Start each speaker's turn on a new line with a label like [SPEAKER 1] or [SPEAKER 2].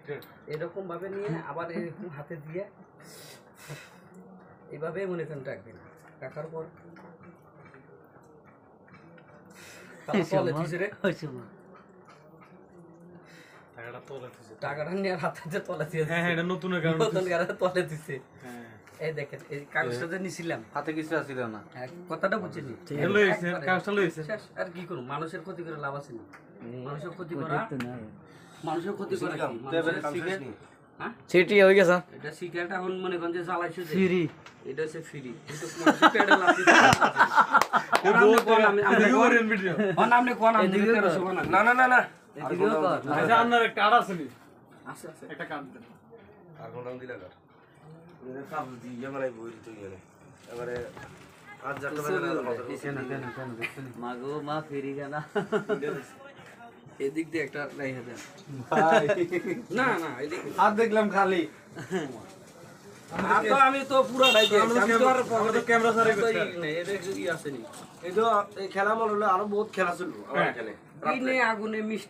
[SPEAKER 1] এরকম ভাবে নিয়ে আবার এরকম হাতে দিয়ে এইভাবে মনে করেন রাখবেন। রাখার পর তলে দিছে রে টাকাটা নিয়ে হাতে তলে দিয়ে।
[SPEAKER 2] হ্যাঁ হ্যাঁ, এটা নতুন কারণ
[SPEAKER 1] নতুন গাড়ি তলে দিছে।
[SPEAKER 2] হ্যাঁ
[SPEAKER 1] এই দেখেন এই কাগজটা যে নিছিলাম
[SPEAKER 3] হাতে কিছু আসিল না।
[SPEAKER 1] কথাটা বুঝিনি।
[SPEAKER 2] এটা লইছে কাজটা লইছে
[SPEAKER 1] শেষ। আর কি করব, মানুষের ক্ষতি করে লাভ আছে না। মানুষের ক্ষতি করা, মানুষের ক্ষতি করা কি? মানুষের সিগারেট, হ্যাঁ
[SPEAKER 4] সিটি হয়ে গেছে
[SPEAKER 1] এটা সিগারেট এখন মনে করেন যে জ্বালাইছো যে
[SPEAKER 4] ফ্রি
[SPEAKER 1] এটা হচ্ছে ফ্রি, কিন্তু মানুষের পেটে লাগছে। আপনি কোন আমি 1300 বানান।
[SPEAKER 3] না না না না,
[SPEAKER 1] এদিকেও কর।
[SPEAKER 2] আচ্ছা আপনার একটা কার্ড আছে নি?
[SPEAKER 1] আছে আছে।
[SPEAKER 2] একটা কার্ড দেন।
[SPEAKER 3] আর কোন দিলা কর ওরে কাপ দি ইয়ামালাই বই দিতে গেলে এবারে আজ যাটা বাজে
[SPEAKER 4] মাগো মা ফেরি গানা
[SPEAKER 1] এদিক দিয়ে একটা রাইখা দেন।
[SPEAKER 3] ভাই
[SPEAKER 1] না না এদিক
[SPEAKER 3] হাত দেখলাম খালি।
[SPEAKER 1] আমি তো পুরাটাই দিয়েছি। আমি তো আর
[SPEAKER 2] আমরা তো ক্যামেরা সারে করতে
[SPEAKER 1] এটা কি আছে নি?
[SPEAKER 3] এই তো এই খেলা মনে হলো আরো বহুত খেলা ছিল আমার এখানে।
[SPEAKER 1] এই নে আগুনে মিষ্টি